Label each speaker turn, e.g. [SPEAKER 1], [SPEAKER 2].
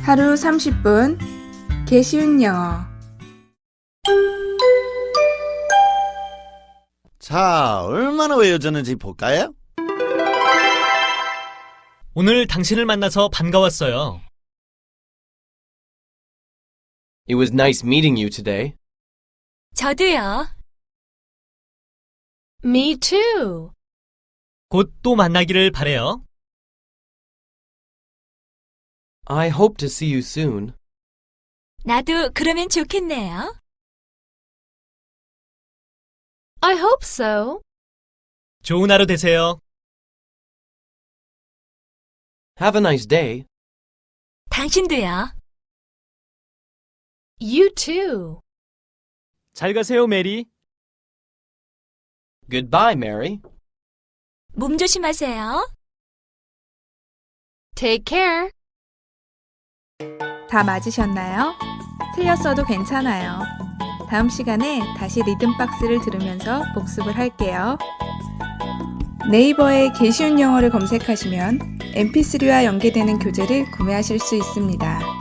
[SPEAKER 1] 하루 30분 개쉬운 영어.
[SPEAKER 2] 자, 얼마나 외워졌는지 볼까요?
[SPEAKER 3] 오늘 당신을 만나서 반가웠어요.
[SPEAKER 4] It was nice meeting you today.
[SPEAKER 5] 저도요. Me too.
[SPEAKER 3] 곧 또 만나기를 바래요.
[SPEAKER 4] I hope to see you soon.
[SPEAKER 5] 나도 그러면 좋겠네요. I hope so.
[SPEAKER 3] 좋은 하루 되세요.
[SPEAKER 4] Have a nice day.
[SPEAKER 5] 당신도요. You too.
[SPEAKER 3] 잘 가세요, 메리.
[SPEAKER 4] Goodbye, Mary.
[SPEAKER 5] 몸 조심하세요. Take care.
[SPEAKER 1] 다 맞으셨나요? 틀렸어도 괜찮아요. 다음 시간에 다시 리듬박스를 들으면서 복습을 할게요. 네이버에 개쉬운 영어를 검색하시면 mp3와 연계되는 교재를 구매하실 수 있습니다.